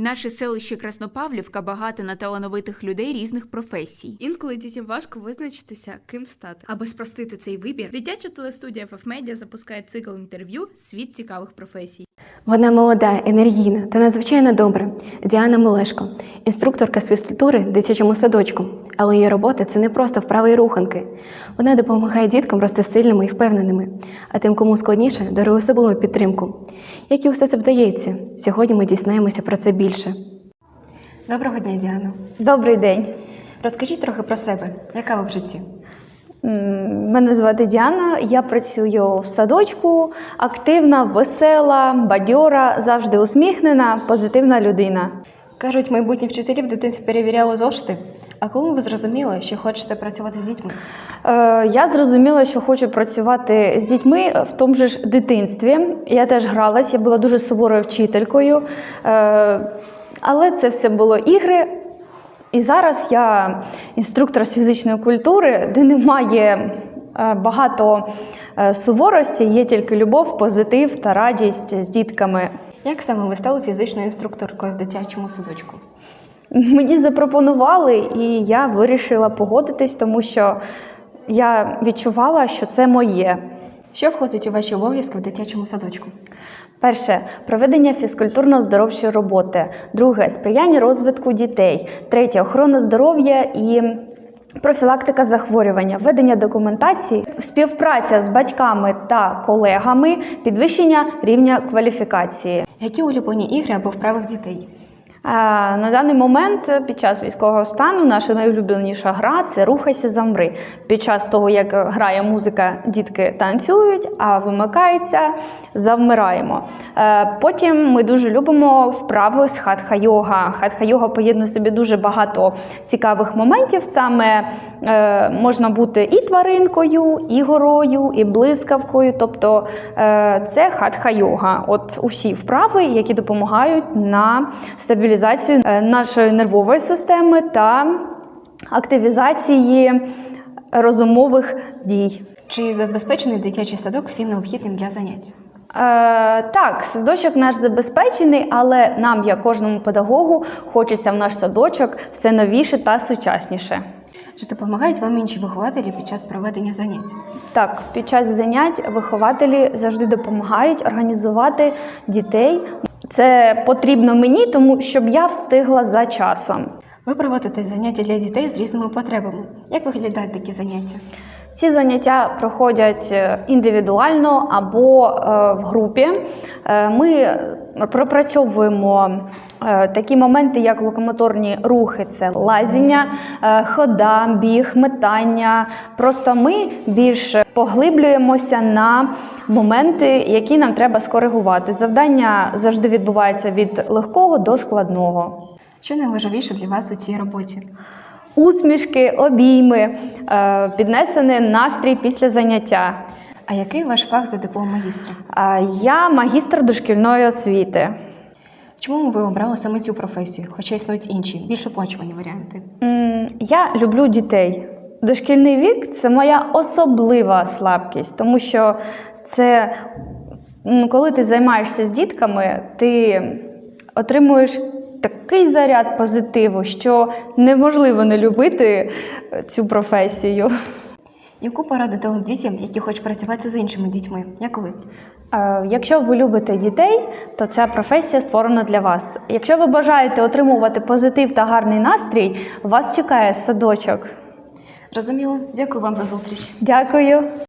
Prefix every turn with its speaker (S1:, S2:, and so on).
S1: Наше селище Краснопавлівка багато на талановитих людей різних професій.
S2: Інколи дітям важко визначитися, ким стати.
S3: Аби спростити цей вибір, дитяча телестудія FF-Media запускає цикл інтерв'ю «Світ цікавих професій».
S4: Вона молода, енергійна та надзвичайно добра. Діана Мелешко – інструкторка з фізкультури в дитячому садочку. Але її робота – це не просто вправи і руханки. Вона допомагає діткам рости сильними і впевненими, а тим, кому складніше, дарує особливу підтримку. Як і все це вдається? Сьогодні ми дізнаємося про це більше. Доброго дня, Діано.
S5: Добрий день.
S4: Розкажіть трохи про себе. Яка ви в житті?
S5: Мене звати Діана, я працюю в садочку, активна, весела, бадьора, завжди усміхнена, позитивна людина.
S4: Кажуть, майбутні вчителі в дитинстві перевіряли зошити. А коли ви зрозуміли, що хочете працювати з дітьми?
S5: Я зрозуміла, що хочу працювати з дітьми в тому ж дитинстві. Я теж гралась, я була дуже суворою вчителькою, але це все було ігри. І зараз я інструктор з фізичної культури, де немає багато суворості, є тільки любов, позитив та радість з дітками.
S4: Як саме ви стали фізичною інструкторкою в дитячому садочку?
S5: Мені запропонували, і я вирішила погодитись, тому що я відчувала, що це моє.
S4: Що входить у ваші обов'язки в дитячому садочку?
S5: Перше – проведення фізкультурно-здоровчої роботи. Друге – сприяння розвитку дітей. Третє – охорона здоров'я і профілактика захворювання, ведення документації, співпраця з батьками та колегами, підвищення рівня кваліфікації.
S4: Які улюблені ігри або вправи в дітей?
S5: На даний момент під час військового стану наша найулюбленіша гра – це «Рухайся, замри». Під час того, як грає музика, дітки танцюють, а вимикаються – завмираємо. Потім ми дуже любимо вправи з хатха-йога. Хатха-йога поєднує в собі дуже багато цікавих моментів. Саме можна бути і тваринкою, і горою, і блискавкою. Тобто це хатха-йога. От усі вправи, які допомагають на стабілізацію нашої нервової системи та активізації розумових дій.
S4: Чи забезпечений дитячий садок всім необхідним для занять?
S5: Так, садочок наш забезпечений, але нам, як кожному педагогу, хочеться в наш садочок все новіше та сучасніше.
S4: Чи допомагають вам інші вихователі під час проведення занять?
S5: Так, під час занять вихователі завжди допомагають організувати дітей. Це потрібно мені, тому щоб я встигла за часом.
S4: Ви проводите заняття для дітей з різними потребами. Як виглядають такі заняття?
S5: Ці заняття проходять індивідуально або в групі. Ми пропрацьовуємо такі моменти, як локомоторні рухи, це лазіння, хода, біг, метання. Просто ми більш поглиблюємося на моменти, які нам треба скоригувати. Завдання завжди відбувається від легкого до складного.
S4: Що найважливіше для вас у цій роботі?
S5: Усмішки, обійми, піднесений настрій після заняття.
S4: А який ваш фах за диплом магістра?
S5: Я магістр дошкільної освіти.
S4: Чому ви обрали саме цю професію, хоча існують інші, більш оплачувані варіанти?
S5: Я люблю дітей. Дошкільний вік – це моя особлива слабкість, тому що це, коли ти займаєшся з дітками, ти отримуєш такий заряд позитиву, що неможливо не любити цю професію.
S4: Яку пораду дали б дітям, які хочуть працювати з іншими дітьми? Як ви?
S5: Якщо ви любите дітей, то ця професія створена для вас. Якщо ви бажаєте отримувати позитив та гарний настрій, вас чекає садочок.
S4: Зрозуміло. Дякую вам за зустріч.
S5: Дякую.